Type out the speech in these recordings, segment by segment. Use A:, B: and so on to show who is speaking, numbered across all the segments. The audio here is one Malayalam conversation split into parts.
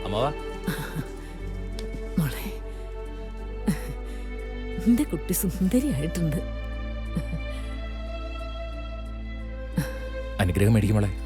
A: അമ്മാവാ
B: മോളെ, എന്റെ കുട്ടി സുന്ദരിയായിട്ടുണ്ട്.
A: അനുഗ്രഹം മേടിക്കും മോളെ.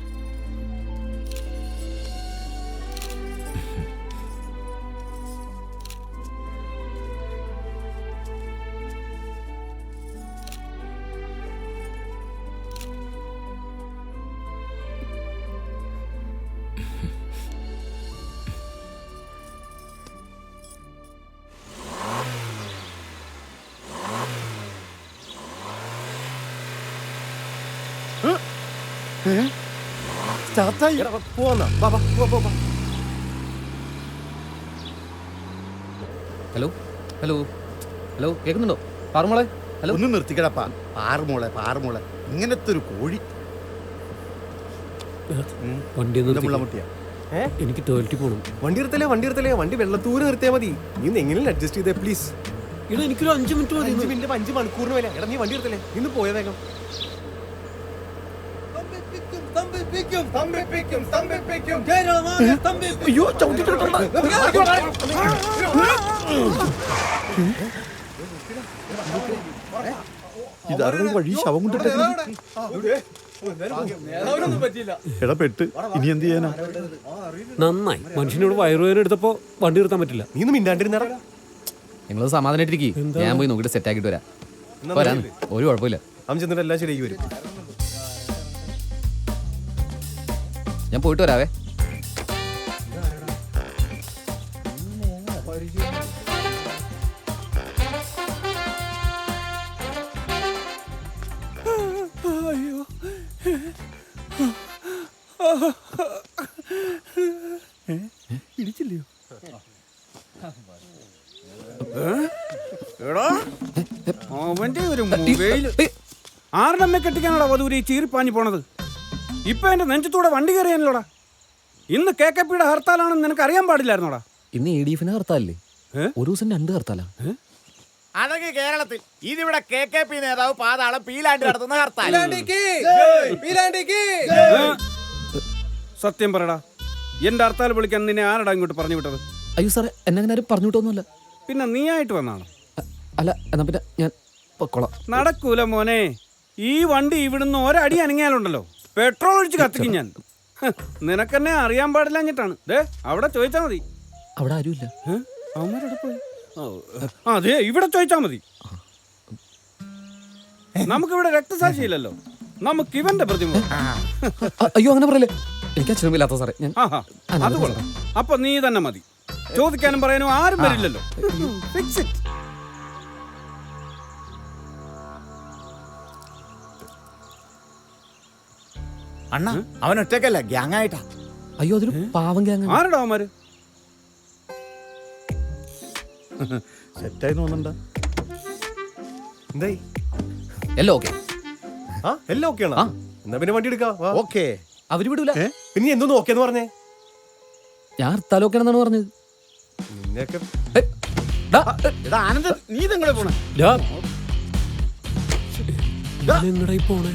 C: ഹലോ ഹലോ ഹലോ കേൾക്കുന്നുണ്ടോ? പാറുമോളെ, ഹലോ.
D: ഒന്ന് നിർത്തിക്കടപ്പാ. പാറുമോളെ ഇങ്ങനത്തെ ഒരു കോഴി.
E: എനിക്ക് ടോയ്ലറ്റിൽ പോകണം.
F: വണ്ടി നിർത്തലേ വണ്ടി വെള്ളത്തൂര് നിർത്തിയാൽ മതി. നീ എങ്ങനെയും അഡ്ജസ്റ്റ് ചെയ്തേ പ്ലീസ്.
E: ഇവിടെ എനിക്കൊരു 5 മിനിറ്റ് മതി.
F: 5 മിനിറ്റ് 5 മണിക്കൂറിന് വില. എടാ നീ വണ്ടി നിർത്തലേ, ഇന്ന് പോയ വേഗം.
E: അയ്യോ, ചവിട്ടിട്ടുണ്ട്.
D: ഇതാരുടെ വഴി ശവം കൊണ്ടിട്ട് പെട്ട്. ഇനി എന്ത് ചെയ്യാനാ?
E: നന്നായി, മനുഷ്യനോട് വയറുവേദന എടുത്തപ്പോ വണ്ടി നിർത്താൻ പറ്റില്ല.
F: നീ ഒന്ന് മിണ്ടാണ്ടിരുന്നടാ.
C: നിങ്ങൾ സമാധാനായിട്ടിരിക്കും. ഞാൻ പോയി നോക്കിയിട്ട് സെറ്റ് ആക്കിയിട്ട് വരാം. ഒരു കുഴപ്പമില്ല.
F: അവൻ ചെന്നിട്ട് എല്ലാം ശരിയാക്കി വരും.
C: ഞാൻ പോയിട്ട് വരാവേ.
D: ഇടിച്ചില്ലയോ?
G: അവന്റെ ഒരു മൊബൈൽ ആരുടെ കെട്ടിക്കാനോടാ വധൂരി ചീറിപ്പാഞ്ഞു പോണത്? ഇപ്പൊ എന്റെ നെഞ്ചത്തൂടെ വണ്ടി കയറിയാനല്ലോടാ. ഇന്ന് KKPയുടെ ഹർത്താലാണെന്ന് നിനക്ക് അറിയാൻ പാടില്ലായിരുന്നോടാ?
C: ഇന്ന് ADF ഹർത്താലല്ലേ? ഒരു ദിവസം 2 ഹർത്താലാ.
H: അതൊക്കെ കേരളത്തിൽ. ഇതിവിടെ KKP നേതാവ് പാതാളം പീലാണ്ടി നടത്തുന്ന ഹർത്താൽ.
G: സത്യം പറയടാ, എന്റെ ഹർത്താൽ വിളിക്കാൻ നിന്നെ ആരടാ ഇങ്ങോട്ട് പറഞ്ഞു വിട്ടത്?
C: അയ്യോ സാറേ, എന്നെ അങ്ങനെ ആരും പറഞ്ഞു വിട്ടൊന്നുമല്ല.
G: പിന്നെ നീ ആയിട്ട് വന്നാണോ?
C: അല്ല, എന്നാ പിന്നെ ഞാൻ പൊക്കോളാം.
G: നടക്കൂല മോനെ. ഈ വണ്ടി ഇവിടുന്ന് ഒരടി അനങ്ങിയാലുണ്ടല്ലോ പെട്രോൾ ഒഴിച്ച് കത്തിക്കും ഞാൻ. നിനക്കെന്നെ അറിയാൻ പാടില്ലഞ്ഞിട്ടാണ്. അവിടെ ചോദിച്ചാ മതി.
C: അവിടെ ആരുമില്ല.
G: അവന്മാരെവിടെ പോയി? അതെ, ഇവിടെ ചോദിച്ചാ മതി. നമുക്കിവിടെ രക്തസാക്ഷിയില്ലല്ലോ, നമുക്ക് ഇവന്റെ പ്രതിമ.
C: അയ്യോ, അങ്ങനെ പറയല്ലേ. എനിക്ക് അച്ഛനുമില്ലാത്ത സാറേ.
G: അത് കൊള്ളാം. അപ്പൊ നീ തന്നെ മതി. ചോദിക്കാനും പറയാനും ആരും വരില്ലല്ലോ. Fix it.
H: അണ്ണ അവൻ ഒറ്റക്കല്ല, ഗ്യാങ് ആയിട്ടാ.
C: അയ്യോ, അതൊരു പാവം ഗ്യാങ്.
G: ആരടാ അവന്മാര്?
D: സെറ്റായി തോന്നണ്ട.
F: എന്തായി?
C: എല്ലാം ഓക്കെ.
F: എല്ലാം ഓക്കെയാണോ? എന്നാ പിന്നെ വണ്ടി എടുക്കാം.
D: ഓക്കെ.
C: അവര് വിടൂല.
F: പിന്നെ നീ എന്തോന്ന് ഓക്കേന്ന് പറഞ്ഞേ?
C: ഞാൻ ഹർത്താൽ ഓക്കെ ആണെന്നാണ് പറഞ്ഞത്.
F: നിന്നെയൊക്കെ
H: ആനന്ദ്, നീ ഇതെങ്ങനെ പോണേ?
E: എങ്ങടായി പോണേ?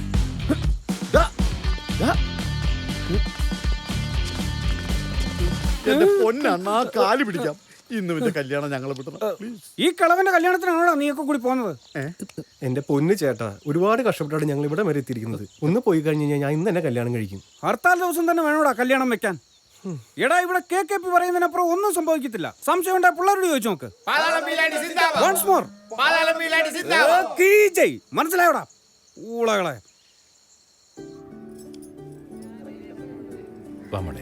D: എന്റെ പൊന്നണ്ണാ, കാല് പിടിക്കാം. ഇന്ന് പിന്നെ കല്യാണം ഞങ്ങളെ വിട്ടണം.
G: ഈ കളവന്റെ കല്യാണത്തിനാണോടാ നീയൊക്കെ കൂടി പോകുന്നത്?
F: എന്റെ പൊന്ന് ചേട്ടാ, ഒരുപാട് കഷ്ടപ്പെട്ടാണ് ഞങ്ങൾ ഇവിടെ വരെ എത്തിയിരിക്കുന്നത്. ഒന്ന് പോയി കഴിഞ്ഞ് കഴിഞ്ഞാൽ ഞാൻ ഇന്ന് തന്നെ കല്യാണം കഴിക്കും.
G: ഹർത്താൽ ദിവസം തന്നെ വേണോടാ കല്യാണം വെക്കാൻ. എടാ, ഇവിടെ KKP പറയുന്നതിനപ്പുറം ഒന്നും സംഭവിക്കത്തില്ല. സംശയം ഉണ്ടായ പിള്ളേരോട് ചോദിച്ചു നോക്ക്. വൺസ് മോർ, മനസ്സിലായോടാ ഊളകളെ?
A: വാമോളെ.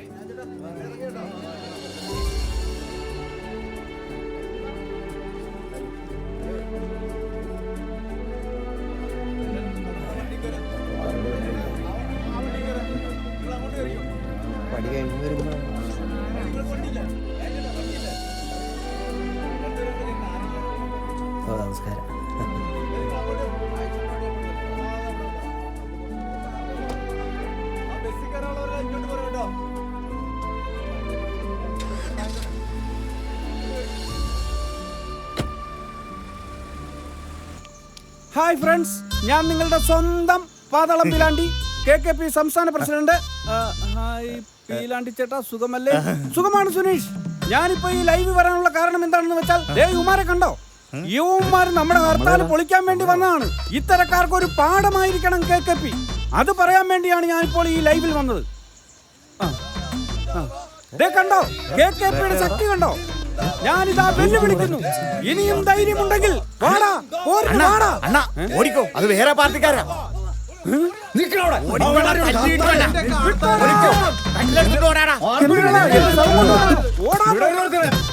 F: നമസ്കാരം.
G: ഹായ് ഫ്രണ്ട്സ്, ഞാൻ നിങ്ങളുടെ സ്വന്തം പാതാളം പീലാണ്ടി, KKP സംസ്ഥാന പ്രസിഡന്റ്. ഹായ് പീലാണ്ടി ചേട്ടാ, സുഖമല്ലേ? സുഖമാണ് സുനീഷ്. ഞാനിപ്പോ ഈ ലൈവ് വരാനുള്ള കാരണം എന്താണെന്ന് വെച്ചാൽ ദേ ഇവന്മാരെ കണ്ടോ? യുവമാർ നമ്മുടെ ഹർത്താൽ പൊളിക്കാൻ വേണ്ടി വന്നതാണ്. ഇത്തരക്കാർക്ക് ഒരു പാഠമായിരിക്കണം KKP. അത് പറയാൻ വേണ്ടിയാണ് ഞാനിപ്പോൾ ഈ ലൈവിൽ വന്നത്. ദേ കണ്ടോ KKPയുടെ ശക്തി കണ്ടോ? ഞാനിതാ വെല്ലുവിളിക്കുന്നു. ഇനിയും ധൈര്യമുണ്ടെങ്കിൽ വാടാ, പോരിന് വാടാ.
H: അണ്ണാ ഓടിക്കോ, അത് വേറെ പാർട്ടിക്കാരാ.
G: വിട്ടോടാ.
H: ഓടിക്കോ, കല്ലെടുത്തിട്ട് ഓടാടാ.
G: എന്തിനാടാ? എന്റെ സ്ഥലം കൊണ്ടുവാ. ഓടാ.